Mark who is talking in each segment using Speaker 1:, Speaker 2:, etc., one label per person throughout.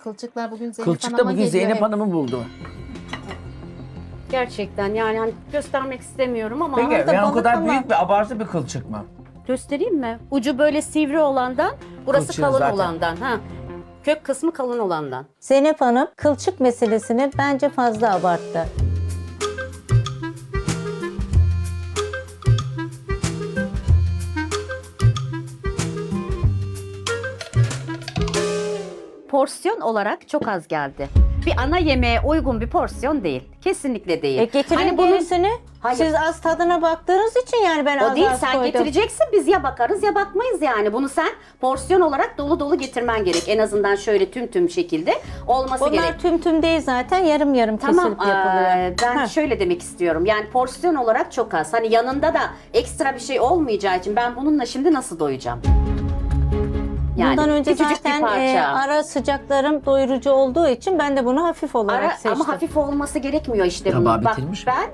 Speaker 1: Kılçıklar bugün Zeynep
Speaker 2: Kılçık da
Speaker 1: Hanım'a
Speaker 2: bugün
Speaker 1: geliyor.
Speaker 2: Zeynep Hanım'ı buldu.
Speaker 3: Gerçekten yani hani göstermek istemiyorum ama
Speaker 2: Peki
Speaker 1: da
Speaker 2: yani o
Speaker 1: balık
Speaker 2: kadar
Speaker 1: ama-
Speaker 2: büyük bir abartı bir kılçık mı?
Speaker 3: göstereyim mi? Ucu böyle sivri olandan, burası
Speaker 2: Kılçığı
Speaker 3: kalın
Speaker 2: zaten.
Speaker 3: olandan. Ha. Kök kısmı kalın olandan.
Speaker 4: Zeynep Hanım kılçık meselesini bence fazla abarttı.
Speaker 3: Porsiyon olarak çok az geldi. Bir ana yemeğe uygun bir porsiyon değil. Kesinlikle değil.
Speaker 4: Getirin
Speaker 3: Hani bunun-
Speaker 4: gerisini.
Speaker 3: Hayır.
Speaker 4: Siz az tadına baktığınız için yani ben
Speaker 3: O
Speaker 4: az
Speaker 3: değil,
Speaker 4: az
Speaker 3: sen
Speaker 4: koydum.
Speaker 3: getireceksin, biz ya bakarız ya bakmayız yani. Bunu sen porsiyon olarak dolu dolu getirmen gerek. En azından şöyle tüm şekilde olması
Speaker 4: Bunlar
Speaker 3: gerek.
Speaker 4: tüm değil zaten yarım yarım
Speaker 3: Tamam,
Speaker 4: kesilip yapılıyor.
Speaker 3: ben
Speaker 4: Ha.
Speaker 3: şöyle demek istiyorum. Yani porsiyon olarak çok az. Hani yanında da ekstra bir şey olmayacağı için ben bununla şimdi nasıl doyacağım? Yani
Speaker 4: Bundan önce
Speaker 3: küçücük
Speaker 4: zaten
Speaker 3: bir parça.
Speaker 4: ara sıcaklarım doyurucu olduğu için ben de bunu hafif olarak seçtim.
Speaker 3: Ama hafif olması gerekmiyor işte
Speaker 2: Tabağı
Speaker 3: bunun. Bak
Speaker 2: bitirmiş mi?
Speaker 3: ben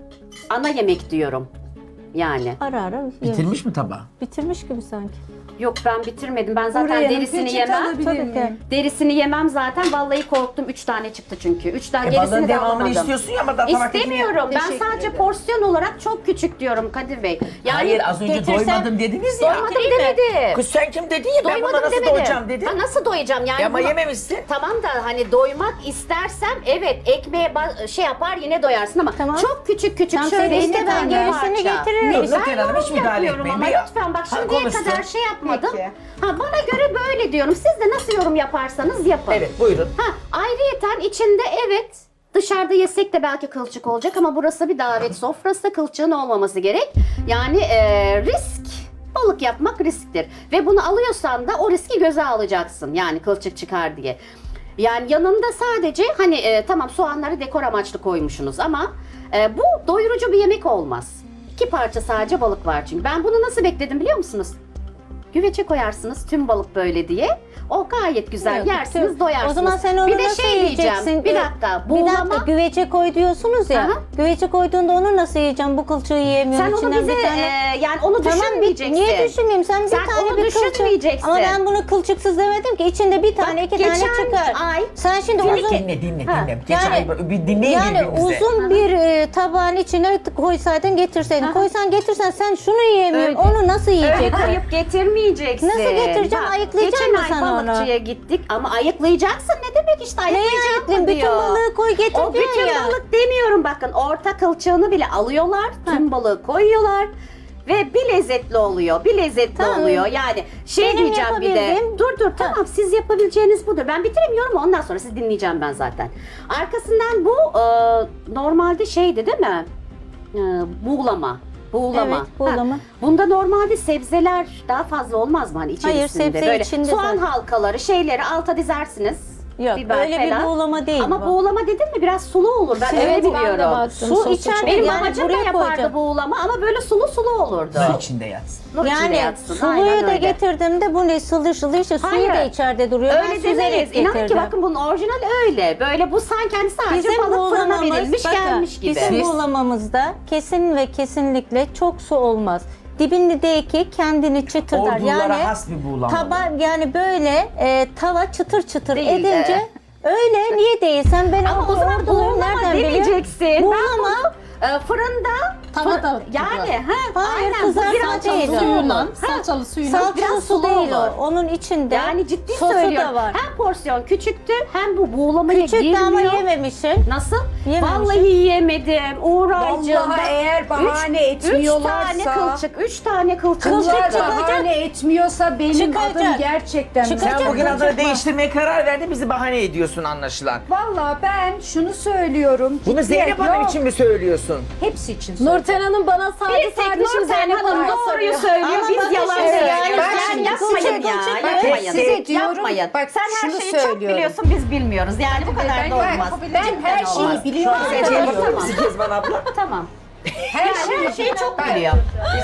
Speaker 3: ana yemek diyorum. Yani.
Speaker 4: Ara ara
Speaker 2: Bitirmiş mi tabağı?
Speaker 4: bitirmiş gibi sanki.
Speaker 3: Yok ben bitirmedim. Ben zaten
Speaker 5: Buraya
Speaker 3: derisini
Speaker 5: peçete
Speaker 3: yemem.
Speaker 5: alabilir
Speaker 4: Tabii
Speaker 5: miyim?
Speaker 4: ki.
Speaker 3: Derisini yemem zaten. Vallahi korktum. 3 tane çıktı çünkü. 3 tane
Speaker 2: Balığın
Speaker 3: gerisini de
Speaker 2: devamını
Speaker 3: alamadım.
Speaker 2: istiyorsun ya ama daha tabak
Speaker 3: İstemiyorum. Ben
Speaker 5: Teşekkür
Speaker 3: sadece
Speaker 5: ederim.
Speaker 3: porsiyon olarak çok küçük diyorum Kadir Bey. Yani
Speaker 2: Hayır az önce
Speaker 4: getirsen-
Speaker 2: doymadım dediniz ya.
Speaker 3: doymadım demedim.
Speaker 2: Kız sen kim dedin ya ben buna
Speaker 3: Doymadım
Speaker 2: nasıl
Speaker 3: demedim.
Speaker 2: doyacağım dedin.
Speaker 3: Ha, nasıl doyacağım yani?
Speaker 2: Ya ama
Speaker 3: bunu-
Speaker 2: yememişsin.
Speaker 3: Tamam da hani doymak istersem evet ekmeğe şey yapar yine doyarsın ama
Speaker 4: Tamam.
Speaker 3: çok küçük
Speaker 4: Tamam,
Speaker 3: şöyle
Speaker 4: sen iste,
Speaker 3: iki
Speaker 4: ben
Speaker 3: tane
Speaker 4: gerisini
Speaker 3: parça.
Speaker 4: getiririm.
Speaker 2: Dur,
Speaker 3: Ben
Speaker 2: Nurten Hanım, hiç
Speaker 3: yorum
Speaker 2: müdahale
Speaker 3: yapıyorum
Speaker 2: etmeyin.
Speaker 3: ama
Speaker 2: Bir-
Speaker 3: lütfen bak
Speaker 2: Ha,
Speaker 3: şimdiye
Speaker 2: konuşsun.
Speaker 3: kadar şey yapmadım.
Speaker 5: Peki.
Speaker 3: Ha, bana göre böyle diyorum. Siz de nasıl yorum yaparsanız yapın.
Speaker 2: Evet buyurun.
Speaker 3: Ha, ayrıyeten içinde evet dışarıda yesek de belki kılçık olacak ama burası bir davet sofrası, kılçığın olmaması gerek. Yani risk, balık yapmak risktir. Ve bunu alıyorsan da o riski göze alacaksın yani kılçık çıkar diye. Yani yanında sadece hani tamam soğanları dekor amaçlı koymuşsunuz ama bu doyurucu bir yemek olmaz. 2 parça sadece balık var çünkü. Ben bunu nasıl bekledim biliyor musunuz? Güvece koyarsınız tüm balık böyle diye. O gayet güzel
Speaker 4: Yok,
Speaker 3: yersiniz,
Speaker 4: tüm-
Speaker 3: doyarsınız.
Speaker 4: O zaman sen onu
Speaker 3: bir de
Speaker 4: nasıl
Speaker 3: şey diyeceğim.
Speaker 4: yiyeceksin?
Speaker 3: Bir dakika.
Speaker 4: Bir
Speaker 3: Buğulama.
Speaker 4: dakika güvece koy diyorsunuz ya.
Speaker 3: Aha.
Speaker 4: Güvece koyduğunda onu nasıl yiyeceğim? Bu kılçığı yiyemiyorum.
Speaker 3: Sen onu
Speaker 4: İçinden
Speaker 3: bize
Speaker 4: bir tane...
Speaker 3: yani onu
Speaker 4: Tamam,
Speaker 3: düşünmeyeceksin.
Speaker 4: niye düşünmeyeyim? Sen bir
Speaker 3: Sen
Speaker 4: tane
Speaker 3: onu
Speaker 4: bir kılçık.
Speaker 3: düşünmeyeceksin.
Speaker 4: Ama ben bunu kılçıksız demedim ki. İçinde bir tane iki tane
Speaker 3: geçen
Speaker 4: çıkar.
Speaker 3: ay-
Speaker 4: Sen şimdi
Speaker 3: Dinle,
Speaker 4: uzun...
Speaker 2: Dinle.
Speaker 3: Ha,
Speaker 2: Geçen ay bir dinleyin
Speaker 4: Yani
Speaker 2: birbirinizi.
Speaker 4: uzun bir tabağın içine koysaydın getirseydin.
Speaker 3: Aha.
Speaker 4: Koysan getirsen sen şunu yiyemiyorum.
Speaker 3: Öyle.
Speaker 4: Onu nasıl
Speaker 3: Öyle
Speaker 4: yiyeceksin?
Speaker 3: koyup getirmeyeceksin.
Speaker 4: Nasıl getireceğim?
Speaker 3: Bak,
Speaker 4: Ayıklayacaksın
Speaker 3: geçen
Speaker 4: mı
Speaker 3: ay
Speaker 4: sen onu?
Speaker 3: balıkçıya gittik ama ayıklayacaksın. Ne demek işte
Speaker 4: Neyi
Speaker 3: ayıklayacağım
Speaker 4: ayıklayayım?
Speaker 3: mı
Speaker 4: Bütün
Speaker 3: diyor.
Speaker 4: balığı koy getir
Speaker 3: O
Speaker 4: diyor
Speaker 3: bütün
Speaker 4: ya.
Speaker 3: balık demiyorum bakın. Orta kılçığını bile alıyorlar. Tüm balığı koyuyorlar. Ve bir lezzetli oluyor. Bir lezzetli
Speaker 4: Tamam.
Speaker 3: oluyor. Yani şey
Speaker 4: Benim
Speaker 3: diyeceğim bir de.
Speaker 4: yapabildiğim-
Speaker 3: Dur tamam siz yapabileceğiniz budur. Ben bitiremiyorum ondan sonra sizi dinleyeceğim ben zaten. Arkasından bu normalde şeydi değil mi? Buğulama. Buğulama.
Speaker 4: Evet, buğulama.
Speaker 3: Ha, bunda normalde sebzeler daha fazla olmaz mı hani içerisinde?
Speaker 4: sebze
Speaker 3: Böyle
Speaker 4: içinde
Speaker 3: soğan
Speaker 4: zaten.
Speaker 3: halkaları şeyleri alta dizersiniz.
Speaker 4: Yok
Speaker 3: Biber
Speaker 4: öyle bir
Speaker 3: falan.
Speaker 4: buğulama değil
Speaker 3: Ama
Speaker 4: bu.
Speaker 3: buğulama dedin mi biraz sulu olur. Ben öyle
Speaker 1: Evet, ben de
Speaker 3: biliyorum.
Speaker 1: baktım.
Speaker 4: Su
Speaker 1: Sosu
Speaker 4: içer
Speaker 1: çok-
Speaker 3: Benim
Speaker 4: yani
Speaker 3: babacığım da
Speaker 4: buraya
Speaker 3: yapardı
Speaker 4: koyacağım.
Speaker 3: buğulama ama böyle sulu olurdu.
Speaker 2: Su içinde yatsın.
Speaker 3: Nur içinde
Speaker 4: Yani
Speaker 3: yatsın.
Speaker 4: suluyu
Speaker 3: Aynen
Speaker 4: da
Speaker 3: öyle.
Speaker 4: getirdiğimde bu ne sılı işte suyu
Speaker 3: Hayır.
Speaker 4: da içeride duruyor. Ben
Speaker 3: Öyle demeyiz.
Speaker 4: süzerek
Speaker 3: İnan ki
Speaker 4: getirdim.
Speaker 3: bakın bunun orijinali öyle. Böyle bu sanki hani sadece
Speaker 4: Bizim
Speaker 3: balık fırına
Speaker 4: buğulamamız,
Speaker 3: verilmiş
Speaker 4: bakın,
Speaker 3: gelmiş gibi.
Speaker 4: bizim
Speaker 2: Siz-
Speaker 4: buğulamamızda kesin ve kesinlikle çok su olmaz. Dibindeki kendini çıtırdar.
Speaker 2: Ordulara
Speaker 4: Yani
Speaker 2: has bir buğulama.
Speaker 4: yani böyle tava çıtır çıtır
Speaker 3: Değil,
Speaker 4: edince öyle niye değil? Sen ben
Speaker 3: Ama o zaman
Speaker 4: orduluyum,
Speaker 3: buğulama
Speaker 4: nereden biliyorsun?
Speaker 3: demeyeceksin. Ben
Speaker 4: Buğulama
Speaker 3: bunu fırında
Speaker 1: Tavada
Speaker 3: yani
Speaker 4: Hayır,
Speaker 3: bu
Speaker 4: kızartma
Speaker 3: biraz
Speaker 4: değil o.
Speaker 3: sulu
Speaker 1: suyuyla,
Speaker 3: olur. Ha,
Speaker 1: salçalı suyuyla.
Speaker 4: salçalı
Speaker 3: biraz
Speaker 4: su
Speaker 3: sulu
Speaker 4: değil
Speaker 3: olur.
Speaker 4: o. Onun içinde
Speaker 3: Yani ciddi
Speaker 4: sosu
Speaker 3: söylüyorum.
Speaker 4: da var.
Speaker 3: Hem porsiyon küçüktü hem bu buğulamaya
Speaker 4: Küçük de
Speaker 3: girmiyor.
Speaker 4: ama yememişsin.
Speaker 3: Nasıl?
Speaker 4: Yememişim.
Speaker 3: Vallahi yiyemedim. Uğraycığım.
Speaker 5: Vallahi eğer bahane
Speaker 3: Üç
Speaker 5: etmiyorlarsa...
Speaker 3: tane kılçık. 3 tane kılçık.
Speaker 4: Kılçık
Speaker 5: Bunlar
Speaker 3: çıktı.
Speaker 5: bahane etmiyorsa benim
Speaker 4: Çıkacak.
Speaker 5: adım gerçekten...
Speaker 4: Çıkacak.
Speaker 2: Sen bugün adını
Speaker 4: Çıkma.
Speaker 2: değiştirmeye karar verdin bizi bahane ediyorsun anlaşılan.
Speaker 5: Vallahi ben şunu söylüyorum.
Speaker 2: Bunu
Speaker 5: ciddi-
Speaker 2: Zeynep Hanım
Speaker 5: Yok,
Speaker 2: için mi söylüyorsun?
Speaker 5: Hepsi için söylüyorum.
Speaker 1: Nurten Hanım bana sadece
Speaker 3: Bir tek
Speaker 1: kardeşim
Speaker 3: Nurten
Speaker 1: Zeynep
Speaker 3: Hanım
Speaker 1: Hanım'da
Speaker 3: doğruyu
Speaker 1: soruyor.
Speaker 3: söylüyor.
Speaker 4: Ama
Speaker 3: Biz
Speaker 4: bakın
Speaker 3: yalan
Speaker 4: şimdi,
Speaker 3: söylüyoruz.
Speaker 4: yani
Speaker 3: Yani
Speaker 5: şimdi
Speaker 3: yapmayın ya.
Speaker 4: kılçık-
Speaker 3: Yapmayın.
Speaker 5: size diyorum,
Speaker 3: Yapmayın.
Speaker 5: bak
Speaker 3: Sen her
Speaker 5: şunu
Speaker 3: şeyi çok
Speaker 5: söylüyorum.
Speaker 3: biliyorsun biz bilmiyoruz. Yani bu kadar da olmaz.
Speaker 5: Ben her şeyi
Speaker 3: olmaz.
Speaker 5: biliyorum.
Speaker 3: Hayır,
Speaker 2: Zeynep
Speaker 3: tamam.
Speaker 2: Hanım, Kezban abla.
Speaker 3: Tamam.
Speaker 5: Her
Speaker 3: Her şeyi çok
Speaker 5: Bak,
Speaker 3: biliyor.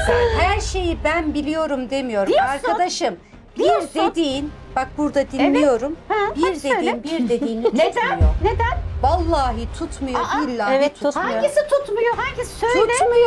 Speaker 5: Her şeyi ben biliyorum demiyorum.
Speaker 3: Diyorsun.
Speaker 5: Arkadaşım
Speaker 3: Diyorsun.
Speaker 5: bir dediğin, bak burada dinliyorum.
Speaker 3: Ha,
Speaker 5: bir
Speaker 3: hadi söyle.
Speaker 5: dediğin bir dediğini
Speaker 3: Neden?
Speaker 5: tutmuyor.
Speaker 3: Neden?
Speaker 5: Vallahi tutmuyor.
Speaker 3: Aa,
Speaker 5: Billahi
Speaker 4: evet,
Speaker 5: tutmuyor.
Speaker 4: tutmuyor.
Speaker 3: Hangisi tutmuyor? Hangisi söyle.
Speaker 5: Tutmuyor.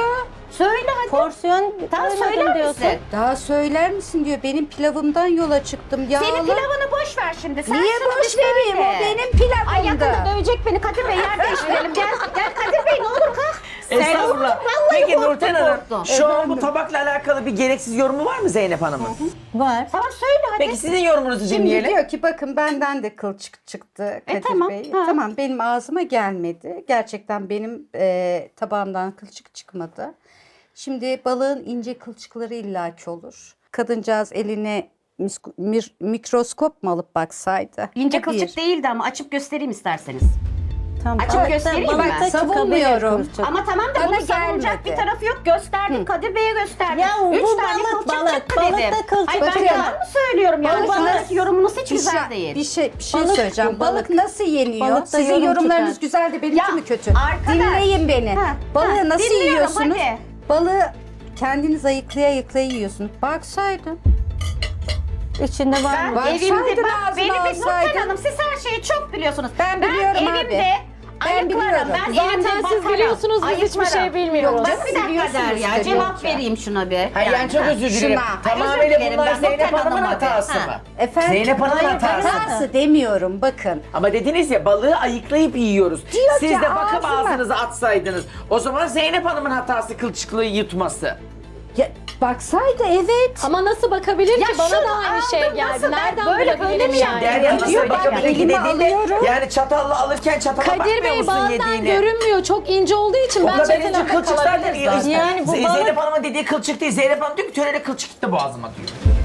Speaker 3: Söyle hadi.
Speaker 4: Porsiyon
Speaker 3: Tamam
Speaker 4: doymadım
Speaker 3: söyler
Speaker 4: diyorsun.
Speaker 3: misin?
Speaker 5: Daha söyler misin diyor. Benim pilavımdan yola çıktım. Yağlı.
Speaker 3: Senin pilavını boş ver şimdi. Sen
Speaker 5: Niye
Speaker 3: şunu bir
Speaker 5: boş vereyim?
Speaker 3: söyle.
Speaker 5: O benim pilavımdı.
Speaker 3: Ay yakında dövecek beni Kadir Bey, yer değiştirelim. Gel Kadir Bey, ne olur kalk.
Speaker 2: Estağfurullah.
Speaker 3: Vallahi
Speaker 2: Peki
Speaker 3: korktum,
Speaker 2: Nurten Hanım,
Speaker 3: korktum.
Speaker 2: şu an bu tabakla alakalı bir gereksiz yorumu var mı Zeynep Hanım'ın?
Speaker 4: Var.
Speaker 3: Tamam söyle hadi.
Speaker 2: Peki sizin yorumunuzu
Speaker 5: Şimdi
Speaker 2: dinleyelim.
Speaker 5: diyor ki bakın benden de kılçık çıktı Kadir
Speaker 3: tamam,
Speaker 5: Bey.
Speaker 3: ha.
Speaker 5: Tamam benim ağzıma gelmedi. Gerçekten benim tabağımdan kılçık çıkmadı. Şimdi balığın ince kılçıkları illaki olur. Kadıncağız eline mikroskop mu alıp baksaydı?
Speaker 3: İnce
Speaker 5: Bu
Speaker 3: kılçık
Speaker 5: bir.
Speaker 3: değildi ama açıp göstereyim isterseniz.
Speaker 4: Tam
Speaker 3: Açık
Speaker 4: balıkta-
Speaker 3: göstereyim mi?
Speaker 4: balıkta
Speaker 3: Ben
Speaker 4: çıkabilir
Speaker 5: savunmuyorum.
Speaker 4: kılçık.
Speaker 3: Ama tamam da
Speaker 5: Bana
Speaker 3: bunu savunacak
Speaker 5: gelmedi.
Speaker 3: bir tarafı yok. Gösterdik, Kadir Bey'e gösterdik.
Speaker 4: Ya bu
Speaker 3: 3 tane
Speaker 4: balık,
Speaker 3: kılçık
Speaker 4: balık.
Speaker 3: çıktı
Speaker 4: Balıkta
Speaker 3: dedim.
Speaker 4: kılçık
Speaker 3: Ay ben
Speaker 5: çıkıyor.
Speaker 3: yalan mı söylüyorum yani?
Speaker 5: Balık-
Speaker 3: Şu andaki yorumunuz hiç
Speaker 5: Bir
Speaker 3: güzel
Speaker 5: şey,
Speaker 3: değil.
Speaker 5: bir şey
Speaker 4: Balık
Speaker 5: söyleyeceğim.
Speaker 4: bu,
Speaker 5: Balık
Speaker 4: balık.
Speaker 5: nasıl yeniyor?
Speaker 4: Balıkta
Speaker 5: Sizin
Speaker 4: yorum
Speaker 5: yorumlarınız
Speaker 4: çıkar.
Speaker 5: güzel de benimki
Speaker 3: Ya,
Speaker 5: mi kötü?
Speaker 3: arkadaş.
Speaker 5: Dinleyin beni.
Speaker 3: Ha,
Speaker 5: Balığı
Speaker 3: ha,
Speaker 5: nasıl
Speaker 3: dinliyorum,
Speaker 5: yiyorsunuz?
Speaker 3: hadi.
Speaker 5: Balığı kendiniz ayıklaya yiyorsunuz. Baksaydın.
Speaker 4: İçinde var
Speaker 3: Ben
Speaker 4: mı?
Speaker 5: Baksaydın
Speaker 3: evimde bak
Speaker 5: ağzına
Speaker 3: beni bir
Speaker 5: alsaydın.
Speaker 3: Nurten Hanım, siz her şeyi çok biliyorsunuz.
Speaker 5: Ben biliyorum abi.
Speaker 3: evimde
Speaker 5: Ben
Speaker 3: ayıklarım.
Speaker 5: biliyorum.
Speaker 3: Ben
Speaker 1: Zaten
Speaker 3: evimde
Speaker 1: siz
Speaker 3: bakarım,
Speaker 1: biliyorsunuz, biz hiçbir
Speaker 3: ayıklarım.
Speaker 1: şey bilmiyoruz.
Speaker 3: Yok, bak bir dakika
Speaker 5: Biliyorsunuz
Speaker 3: der ya,
Speaker 5: işte,
Speaker 3: cevap
Speaker 5: yoksa.
Speaker 3: vereyim şuna bir.
Speaker 2: Hayır yani çok özür dilerim.
Speaker 5: şuna.
Speaker 2: Tamamıyla
Speaker 3: Özür dilerim,
Speaker 2: bunlar
Speaker 3: ben
Speaker 2: Zeynep
Speaker 3: Nurten
Speaker 2: Hanım'ın
Speaker 3: Hanım'a
Speaker 2: hatası
Speaker 3: ha.
Speaker 2: mı?
Speaker 5: Efendim?
Speaker 2: Zeynep Hanım'ın
Speaker 5: Hayır,
Speaker 2: hatası.
Speaker 5: hatası demiyorum bakın.
Speaker 2: Ama dediniz ya balığı ayıklayıp yiyoruz.
Speaker 5: Diyor
Speaker 2: Siz
Speaker 5: ki
Speaker 2: de bakıp
Speaker 5: ağzına-
Speaker 2: ağzınıza atsaydınız. O zaman Zeynep Hanım'ın hatası kılçıklığı yutması.
Speaker 5: Ya, baksaydı evet.
Speaker 1: Ama nasıl bakabilir
Speaker 3: Ya
Speaker 1: ki? Bana
Speaker 3: şunu
Speaker 1: da aynı şey
Speaker 3: aldım,
Speaker 1: geldi.
Speaker 3: nasıl ben
Speaker 1: Nereden
Speaker 3: böyle
Speaker 1: bulabilirim
Speaker 3: mi
Speaker 1: yani?
Speaker 2: Derya
Speaker 5: diyor,
Speaker 2: nasıl
Speaker 5: ben
Speaker 2: bakabilir ki
Speaker 5: elime
Speaker 2: dediğinde
Speaker 5: alıyorum.
Speaker 2: yani çatalla alırken çatala
Speaker 1: Kadir
Speaker 2: bakmıyor
Speaker 1: Bey
Speaker 2: musun
Speaker 1: bazen
Speaker 2: yediğini?
Speaker 1: görünmüyor. Çok ince olduğu için
Speaker 2: O
Speaker 1: ben
Speaker 2: kadar ince
Speaker 1: çetelemde
Speaker 2: kılçık zaten.
Speaker 1: kalabilir zaten.
Speaker 4: Yani bu balık-
Speaker 2: Zeynep Hanım'ın dediği kılçık değil. Zeynep Hanım diyor ki törele kılçık gitti boğazıma diyor.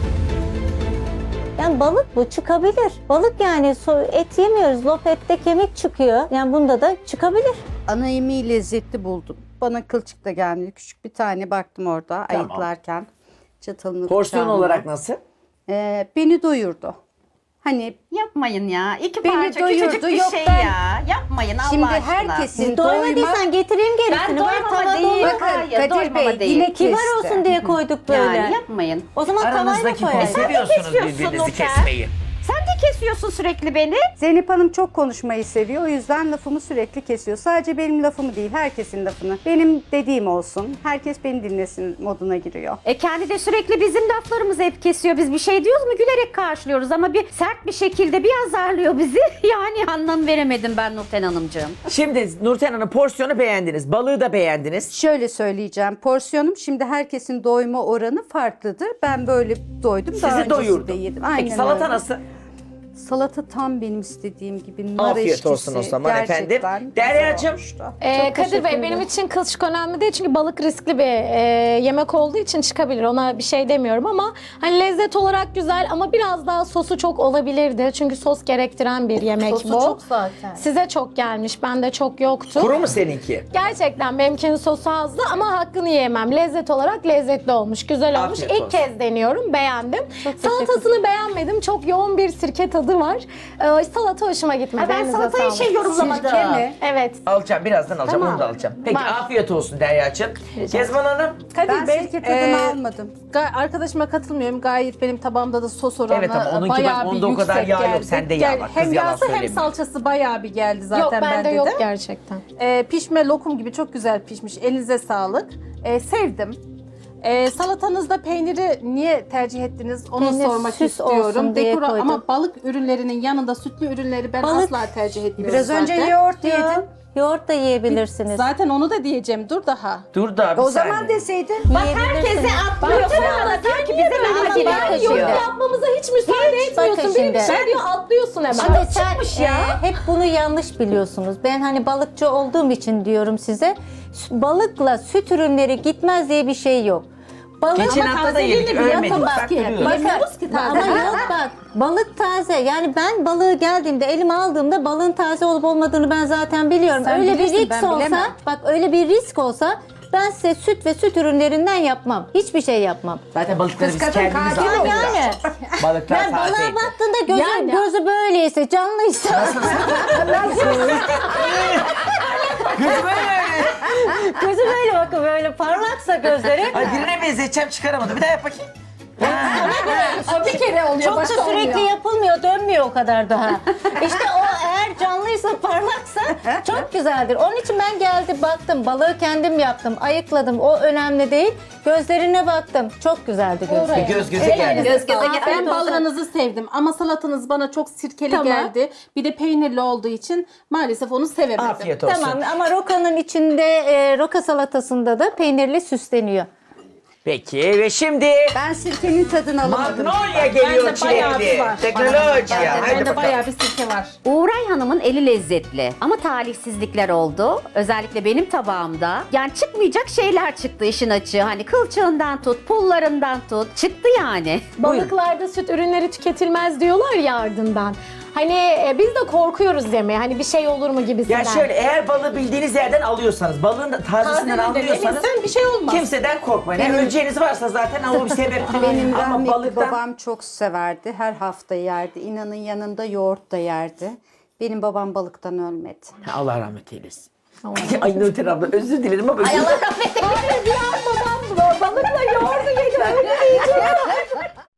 Speaker 4: Yani balık bu çıkabilir. Balık yani et yemiyoruz. Lop ette kemik çıkıyor. Yani bunda da çıkabilir.
Speaker 5: Ana yemeği lezzetli buldum. Bana kılçık da gelmedi. Küçük bir tane baktım orada
Speaker 2: Tamam.
Speaker 5: ayıklarken. Çatalını
Speaker 2: Porsiyon
Speaker 5: bıçağımla.
Speaker 2: olarak nasıl?
Speaker 5: Beni doyurdu. Hani
Speaker 3: Yapmayın ya. İki
Speaker 5: Beni
Speaker 3: parça
Speaker 5: doyurdu,
Speaker 3: küçücük bir
Speaker 5: yok
Speaker 3: şey
Speaker 5: ben-
Speaker 3: ya. Yapmayın Allah
Speaker 5: şimdi
Speaker 3: aşkına.
Speaker 5: herkesin doyma...
Speaker 4: Doymadıysan getireyim gerisini.
Speaker 3: Ben doymama
Speaker 4: tava
Speaker 3: değil.
Speaker 4: dolu.
Speaker 5: Bakın
Speaker 3: Hayır,
Speaker 5: Kadir
Speaker 3: doymama
Speaker 5: Bey
Speaker 3: değil.
Speaker 5: yine
Speaker 4: Kibar
Speaker 5: kesti.
Speaker 4: olsun diye koyduk böyle.
Speaker 3: Yani yapmayın.
Speaker 4: O zaman tavayla
Speaker 2: Aranızdaki konuyu
Speaker 4: koyalım.
Speaker 2: seviyorsunuz
Speaker 3: kesiyorsun
Speaker 2: birbirinizi
Speaker 3: Nurten.
Speaker 2: kesmeyi.
Speaker 3: Sen de kesiyorsun sürekli beni.
Speaker 5: Zeynep Hanım çok konuşmayı seviyor. O yüzden lafımı sürekli kesiyor. Sadece benim lafımı değil, herkesin lafını. Benim dediğim olsun. Herkes beni dinlesin moduna giriyor.
Speaker 3: Kendi de sürekli bizim laflarımızı hep kesiyor. Biz bir şey diyoruz mu gülerek karşılıyoruz ama bir sert bir şekilde bir azarlıyor bizi. Yani anlam veremedim ben Nurten Hanımcığım.
Speaker 2: Şimdi Nurten Hanım porsiyonu beğendiniz. Balığı da beğendiniz.
Speaker 5: Şöyle söyleyeceğim. Porsiyonum şimdi herkesin doyma oranı farklıdır. Ben böyle doydum. Daha
Speaker 2: Sizi
Speaker 5: öncesinde
Speaker 2: doyurdu.
Speaker 5: yedim.
Speaker 2: Peki
Speaker 5: Aynen
Speaker 2: salata
Speaker 5: öyle.
Speaker 2: nasıl?
Speaker 5: Salata tam benim istediğim gibi. Nar
Speaker 2: Afiyet
Speaker 5: eşkisi.
Speaker 2: olsun o zaman efendim.
Speaker 5: Gerçekten güzel
Speaker 2: Deryacığım.
Speaker 5: olmuştu.
Speaker 1: Kadir Bey benim için kılçık önemli değil çünkü balık riskli bir yemek olduğu için çıkabilir. Ona bir şey demiyorum ama hani lezzet olarak güzel ama biraz daha sosu çok olabilirdi. Çünkü sos gerektiren bir yemek
Speaker 4: Sosu
Speaker 1: bu.
Speaker 4: çok zaten.
Speaker 1: Size çok gelmiş, bende çok yoktu.
Speaker 2: Kuru mu seninki?
Speaker 1: Gerçekten benimkinin sosu azdı ama hakkını yiyemem. Lezzet olarak lezzetli olmuş, güzel olmuş.
Speaker 2: Afiyet
Speaker 1: İlk
Speaker 2: olsun.
Speaker 1: kez deniyorum, beğendim. Salatasını beğenmedim. Çok yoğun bir sirke tadı var. Salata hoşuma gitmedi.
Speaker 3: Ben
Speaker 1: Elinize
Speaker 3: salatayı
Speaker 1: sağlık.
Speaker 3: yorumlamadım.
Speaker 5: Sirke mi?
Speaker 1: Evet.
Speaker 2: Alacağım birazdan alacağım
Speaker 1: Tamam.
Speaker 2: onu da alacağım. Peki
Speaker 1: Var.
Speaker 2: afiyet olsun Derya'cığım. Kezban Hanım.
Speaker 5: Ben
Speaker 6: Kadir Bey,
Speaker 5: sirke tadını almadım.
Speaker 6: Arkadaşıma katılmıyorum. Gayet benim tabağımda da sos oranı
Speaker 2: Evet ama onunki
Speaker 6: bayağı
Speaker 2: bak,
Speaker 6: bir
Speaker 2: onda o kadar
Speaker 6: yüksek
Speaker 2: yağ yok.
Speaker 6: geldi.
Speaker 2: Sende yağ var. Kız
Speaker 6: Hem
Speaker 2: yalan
Speaker 6: yağsı hem
Speaker 2: söylemiyor.
Speaker 6: salçası bayağı bir geldi zaten
Speaker 1: Yok bende
Speaker 6: de.
Speaker 1: yok gerçekten.
Speaker 6: Pişme lokum gibi çok güzel pişmiş. Elinize sağlık. Sevdim. Salatanızda peyniri niye tercih ettiniz onu
Speaker 4: Peynir
Speaker 6: sormak
Speaker 4: süs olsun
Speaker 6: istiyorum.
Speaker 4: diye koydum.
Speaker 6: Ama balık ürünlerinin yanında sütlü ürünleri ben
Speaker 4: Balık-
Speaker 6: asla tercih etmiyorum
Speaker 5: Biraz önce
Speaker 6: zaten.
Speaker 5: yoğurt yedin.
Speaker 4: Yoğurt da yiyebilirsiniz.
Speaker 6: Zaten onu da diyeceğim. Dur daha.
Speaker 2: Dur da bir
Speaker 5: O
Speaker 2: saniye.
Speaker 5: zaman deseydin.
Speaker 3: Bak herkese atlıyor. Sonra diyor ki bize laf
Speaker 1: Ben yorum
Speaker 3: geçiyor.
Speaker 1: yapmamıza hiç müsaade etmiyorsun.
Speaker 4: bakın
Speaker 1: Biri bir
Speaker 4: şimdi.
Speaker 1: şey diyor atlıyorsun hemen.
Speaker 4: Şimdi sen
Speaker 3: çıkmış ya.
Speaker 4: hep bunu yanlış biliyorsunuz. Ben hani balıkçı olduğum için diyorum size. Balıkla süt ürünleri gitmez diye bir şey yok. Balık
Speaker 2: Geçen hafta da yedik
Speaker 6: tazeliğini
Speaker 2: ölmedik.
Speaker 6: yapamaz
Speaker 2: Bak
Speaker 6: ki.
Speaker 2: duruyoruz.
Speaker 6: Bilmiyoruz ki taze.
Speaker 4: Ama yok bak balık taze. Yani ben balığı geldiğimde elime aldığımda balığın taze olup olmadığını ben zaten biliyorum.
Speaker 6: Sen
Speaker 4: öyle bir
Speaker 6: bilirsin,
Speaker 4: risk
Speaker 6: ben
Speaker 4: olsa
Speaker 6: bilemem.
Speaker 4: bak öyle bir risk olsa ben size süt ve süt ürünlerinden yapmam. Hiçbir şey yapmam.
Speaker 2: Zaten balıkları biz
Speaker 5: kadın
Speaker 2: kendimiz
Speaker 5: katil
Speaker 2: aldık.
Speaker 4: Yani
Speaker 2: Balıklar
Speaker 4: ben balığa
Speaker 2: tazeydi.
Speaker 4: baktığında gözü böyleyse canlıysa
Speaker 2: Kız böyle.
Speaker 4: gözü böyle bakın böyle parlaksa gözleri
Speaker 2: Ay birine benzeteceğim çıkaramadım. Bir daha yap bakayım.
Speaker 6: O bir kere oluyor.
Speaker 4: çok da
Speaker 6: başka
Speaker 4: sürekli
Speaker 6: olmuyor.
Speaker 4: yapılmıyor, dönmüyor o kadar daha. İşte o eğer eğer canlıysa, parlaksa çok güzeldir. Onun için ben geldim, baktım. Balığı kendim yaptım, ayıkladım. O önemli değil. Gözlerine baktım. Çok güzeldi gözleri.
Speaker 2: Göz göze geldi.
Speaker 3: Göz göze
Speaker 6: Ben
Speaker 3: geldi.
Speaker 6: balığınızı sevdim ama salatanız bana çok sirkeli
Speaker 1: Tamam.
Speaker 6: geldi. Bir de peynirli olduğu için maalesef onu sevemedim.
Speaker 2: Afiyet olsun.
Speaker 4: Tamam ama rokanın içinde, roka salatasında da peynirli süsleniyor.
Speaker 2: Peki ve şimdi
Speaker 5: Ben sirkenin tadını alamadım.
Speaker 2: Magnolia geliyor
Speaker 6: Bende bayağı bir
Speaker 2: çilekli.
Speaker 6: var.
Speaker 2: Teknolojiya. Hadi
Speaker 6: Bende
Speaker 2: bakalım.
Speaker 6: bayağı bir sirke var.
Speaker 3: Uğray Hanım'ın eli lezzetli ama talihsizlikler oldu. Özellikle benim tabağımda. Yani çıkmayacak şeyler çıktı işin açığı. Hani kılçığından tut, pullarından tut. Çıktı yani.
Speaker 1: Balıklarda süt ürünleri tüketilmez diyorlar ya ardından. Hani biz de korkuyoruz yemeye. Hani bir şey olur mu gibisinden.
Speaker 2: Ya şöyle eğer balığı bildiğiniz yerden alıyorsanız, balığın da tazesinden alıyorsanız
Speaker 6: Sen bir şey olmaz.
Speaker 2: kimseden korkmayın. Yani öleceğiniz varsa zaten ama bir sebep
Speaker 5: Benim
Speaker 2: ama
Speaker 5: rahmetli
Speaker 2: balıktan
Speaker 5: babam çok severdi. Her hafta yerdi. İnanın yanında yoğurt da yerdi. Benim babam balıktan ölmedi.
Speaker 2: Allah rahmet eylesin. Ay Nurten abla özür dilerim ama
Speaker 3: Allah rahmet eylesin.
Speaker 1: Babam balıkla yoğurdu yedi. Öyle diyeceğim.